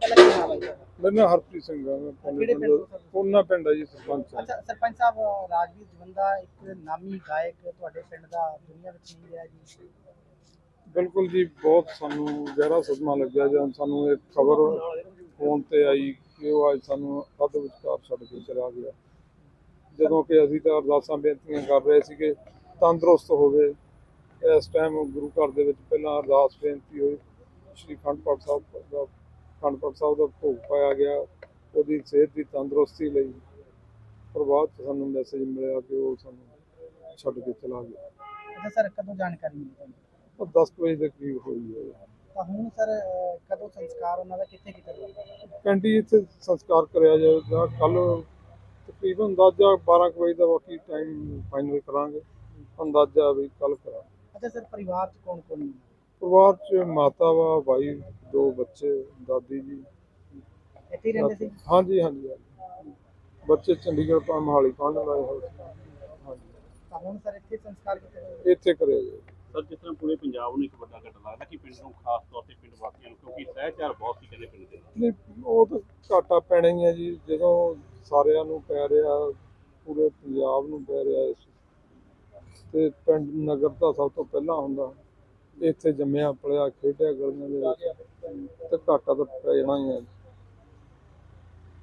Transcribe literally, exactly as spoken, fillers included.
ਪਹਿਲਾਂ ਕੀ ਨਾਮ ਹੈ ਜੀ? ਮੇਰਾ ਨਾਮ ਹਰਪ੍ਰੀਤ ਸਿੰਘ ਹੈ। ਮੈਂ ਕਿਹੜੇ ਪਿੰਡ ਤੋਂ ਸਰ? ਉਹਨਾਂ ਪਿੰਡ ਹੈ ਜੀ, ਸਰਪੰਚ ਅੱਛਾ ਸਰਪੰਚ ਸਾਹਿਬ, ਰਾਜਵੀਰ ਜਵੰਦਾ ਇੱਕ ਨਾਮੀ ਗਾਇਕ ਤੁਹਾਡੇ ਪਿੰਡ ਦਾ ਦੁਨੀਆ ਵਿੱਚ ਨਹੀਂ ਰਿਹਾ ਜੀ। ਬਿਲਕੁਲ ਜੀ, ਬਹੁਤ ਸਾਨੂੰ ਗਹਿਰਾ ਸਦਮਾ ਲੱਗਿਆ ਜਦੋਂ ਸਾਨੂੰ ਇਹ ਖਬਰ ਫੋਨ ਤੇ ਆਈ ਕਿ ਉਹ ਅੱਜ ਸਾਨੂੰ ਅੱਧ ਵਿਚਕਾਰ ਛੱਡ ਕੇ ਚਲਾ ਗਿਆ। ਜਦੋਂ ਕਿ ਅਸੀਂ ਤਾਂ ਅਰਦਾਸਾਂ ਬੇਨਤੀਆਂ ਕਰ ਰਹੇ ਸੀਗੇ ਤੰਦਰੁਸਤ ਹੋਵੇ। ਇਸ ਟਾਈਮ ਗੁਰੂ ਘਰ ਦੇ ਵਿੱਚ ਪਹਿਲਾਂ ਅਰਦਾਸ ਬੇਨਤੀ ਹੋਈ, ਸ਼੍ਰੀ ਅਖੰਡ ਪਾਠ ਸਾਹਿਬ ਦਾ ਅਖੰਡ ਪਾਠ ਸਾਹਿਬ ਦਾ ਭੋਗ ਪਾਇਆ ਗਿਆ ਉਹਦੀ ਸਿਹਤ ਦੀ ਤੰਦਰੁਸਤੀ ਲਈ। ਪਰ ਬਾਅਦ 'ਚ ਸਾਨੂੰ ਮੈਸੇਜ ਮਿਲਿਆ ਕਿ ਉਹ ਸਾਨੂੰ ਛੱਡ ਕੇ ਚਲਾ ਗਿਆ। ਅੱਛਾ ਸਰ, ਕਦੋਂ ਜਾਣਕਾਰੀ ਮਿਲੀ ਤੁਹਾਨੂੰ? ਉਹ ਦਸ ਕੁ ਵਜੇ ਦੇ ਕਰੀਬ ਹੋਈ ਹੈ। ਤਾਂ ਹੁਣ ਸਰ ਕਦੋਂ ਸੰਸਕਾਰ ਉਹਨਾਂ ਦਾ ਕਿੱਥੇ ਕੀਤਾ ਜਾਊਗਾ? ਕੈਂਟੀ ਇੱਥੇ ਸੰਸਕਾਰ ਕਰਿਆ ਜਾਵੇਗਾ ਕੱਲ੍ਹ ਤਕਰੀਬਨ ਅੰਦਾਜ਼ਾ ਬਾਰਾਂ ਕੁ ਵਜੇ ਦਾ, ਬਾਕੀ ਟਾਈਮ ਫਾਈਨਲ ਕਰਾਂਗੇ, ਅੰਦਾਜ਼ਾ ਵੀ ਕੱਲ੍ਹ ਕਰਾਂਗੇ। ਅੱਛਾ ਸਰ, ਪਰਿਵਾਰ 'ਚ ਕੌਣ ਕੌਣ ਹੈ? ਪਰਿਵਾਰ 'ਚ ਮਾਤਾ ਵਾ, ਭਾਈ, ਦੋ ਬੱਚੇ, ਦਾਦੀ ਜੀ। ਇੱਥੇ ਹੀ ਰਹਿੰਦੇ ਸੀ? ਹਾਂਜੀ ਹਾਂਜੀ ਹਾਂਜੀ, ਬੱਚੇ ਚੰਡੀਗੜ੍ਹ ਤੋਂ ਮੋਹਾਲੀ ਪੜ੍ਹਨ ਆਏ ਹੋਏ ਸੀ। ਹਾਂਜੀ, ਤਾਂ ਹੁਣ ਸਰ ਇੱਥੇ ਸੰਸਕਾਰ ਕੀਤਾ ਜਾਊਗਾ? ਇੱਥੇ ਕਰਿਆ ਜਾਵੇ। ਸਰ, ਜਿਸ ਤਰ੍ਹਾਂ ਪੂਰੇ ਪੰਜਾਬ ਨੂੰ ਇੱਕ ਵੱਡਾ ਘਟਨਾ ਲੱਗਦਾ ਕਿ ਪਿੰਡ ਨੂੰ ਖਾਸ ਤੌਰ ਤੇ ਪਿੰਡ ਵਾਸੀਆਂ ਨੂੰ, ਕਿਉਂਕਿ ਸਹਿਚਾਰ ਬਹੁਤ ਸੀ ਕਹਿੰਦੇ ਪਿੰਡ ਦੇ ਨਾਲ। ਨਹੀਂ, ਉਹ ਤਾਂ ਘਾਟਾ ਪੈਣਾ ਹੀ ਹੈ ਜੀ, ਜਦੋਂ ਸਾਰਿਆਂ ਨੂੰ ਪੈ ਰਿਹਾ, ਪੂਰੇ ਪੰਜਾਬ ਨੂੰ ਪੈ ਰਿਹਾ ਇਸ ਤੇ ਪਿੰਡ ਨਗਰ ਤਾਂ ਸਭ ਤੋਂ ਪਹਿਲਾਂ ਹੁੰਦਾ। ਇੱਥੇ ਜੰਮਿਆ ਪਲਿਆ ਖੇਡਿਆ ਗਲੀਆਂ ਦੇ ਵਿੱਚ, ਤੇ ਘਾਟਾ ਤਾਂ ਪੈ ਜਾਣਾ ਹੀ ਹੈ।